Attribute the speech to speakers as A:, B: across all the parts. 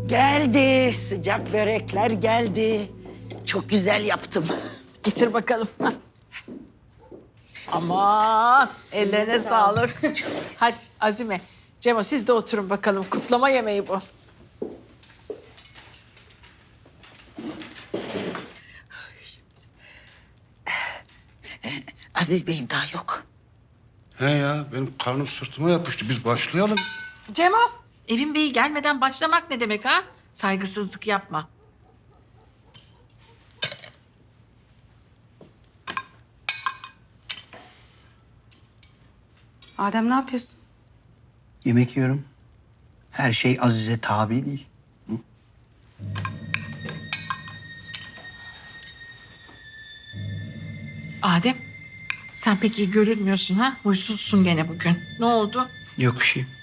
A: Geldi, sıcak börekler geldi. Çok güzel yaptım.
B: Getir bakalım. Aman ellerine sağlık. Hadi Azime, Cemo siz de oturun bakalım. Kutlama yemeği bu.
A: Aziz Bey'im daha yok.
C: He ya, benim karnım sırtıma yapıştı. Biz başlayalım.
B: Cemo, evin beyi gelmeden başlamak ne demek ha? Saygısızlık yapma.
D: Adem ne yapıyorsun?
E: Yemek yiyorum. Her şey Azize tabi değil.
B: Adem, sen pek iyi görünmüyorsun ha? Huysuzsun gene bugün. Ne oldu?
E: Yok bir şey.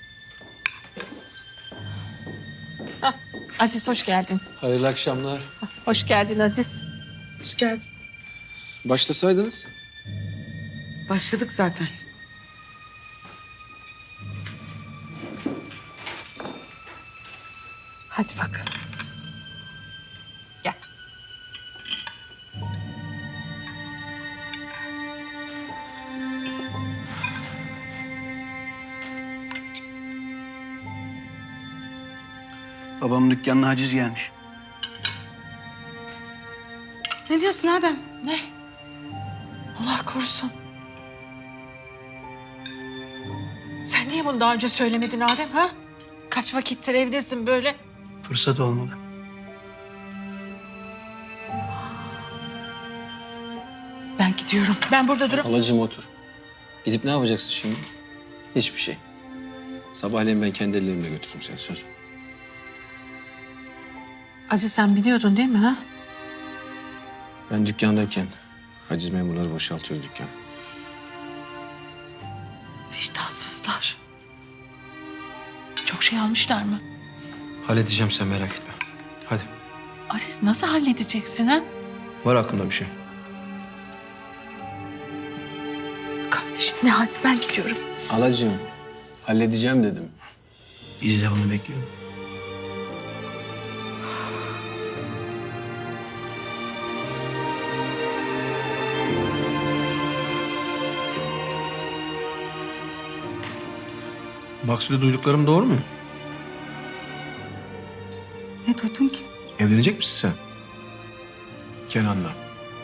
B: Aziz hoş geldin.
F: Hayırlı akşamlar.
B: Hoş geldin Aziz.
D: Hoş geldin.
F: Başlasaydınız.
D: Başladık zaten.
B: Hadi bakalım. Gel.
E: Babamın dükkanına haciz gelmiş.
D: Ne diyorsun Adem?
B: Ne? Allah korusun. Sen niye bunu daha önce söylemedin Adem ha? Kaç vakittir evdesin böyle?
E: Fırsat olmadı.
B: Ben gidiyorum. Ben burada durup...
F: Halacığım otur. Gidip ne yapacaksın şimdi? Hiçbir şey. Sabahleyin ben kendi ellerimle götürürüm seni, söz.
B: Aziz sen biliyordun değil mi ha?
F: Ben dükkandayken haciz memurları boşaltıyor dükkanı.
B: Vicdansızlar. Çok şey almışlar mı?
F: Halledeceğim, sen merak etme. Hadi.
B: Aziz nasıl halledeceksin ha?
F: Var aklımda bir şey.
B: Kardeşim ne hal? Ben gidiyorum.
F: Halacığım, halledeceğim dedim.
E: Biz de bunu bekliyoruz.
F: Maksude duyduklarım doğru mu?
D: Ne duydun ki?
F: Evlenecek misin sen? Kenan'la.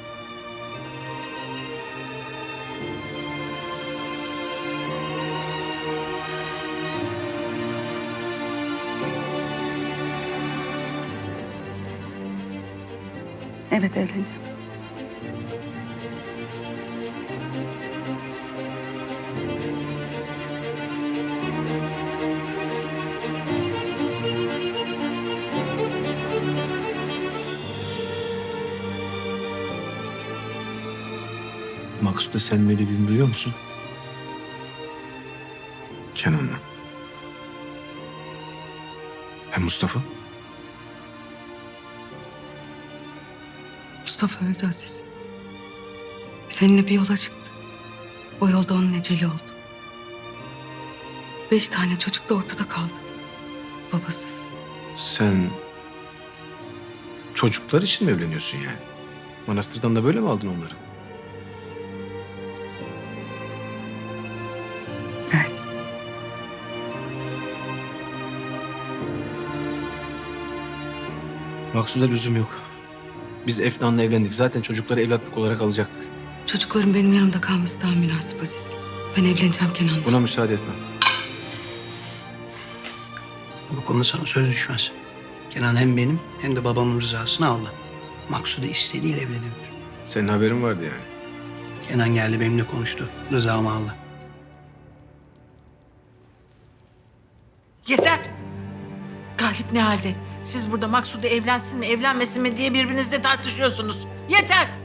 D: Evet evleneceğim.
F: Maksude sen ne dediğini duyuyor musun? Kenan'la. Hem Mustafa?
D: Mustafa öldü Aziz. Seninle bir yola çıktı. O yolda onun eceli oldu. 5 tane çocuk da ortada kaldı. Babasız.
F: Sen çocuklar için mi evleniyorsun yani? Manastırdan da böyle mi aldın onları?
D: Evet.
F: Maksude lüzum yok. Biz Efnan'la evlendik. Zaten çocukları evlatlık olarak alacaktık.
D: Çocukların benim yanımda kalması daha münasip Aziz. Ben evleneceğim Kenan'la.
F: Buna müsaade etmem.
E: Bu konuda sana söz düşmez. Kenan hem benim hem de babamın rızasını aldı. Maksude istediğiyle evlenebilir.
F: Senin haberin vardı yani.
E: Kenan geldi benimle konuştu. Rızamı aldı.
B: Yeter. Galip ne halde? Siz burada Maksude evlensin mi evlenmesin mi diye birbirinizle tartışıyorsunuz. Yeter.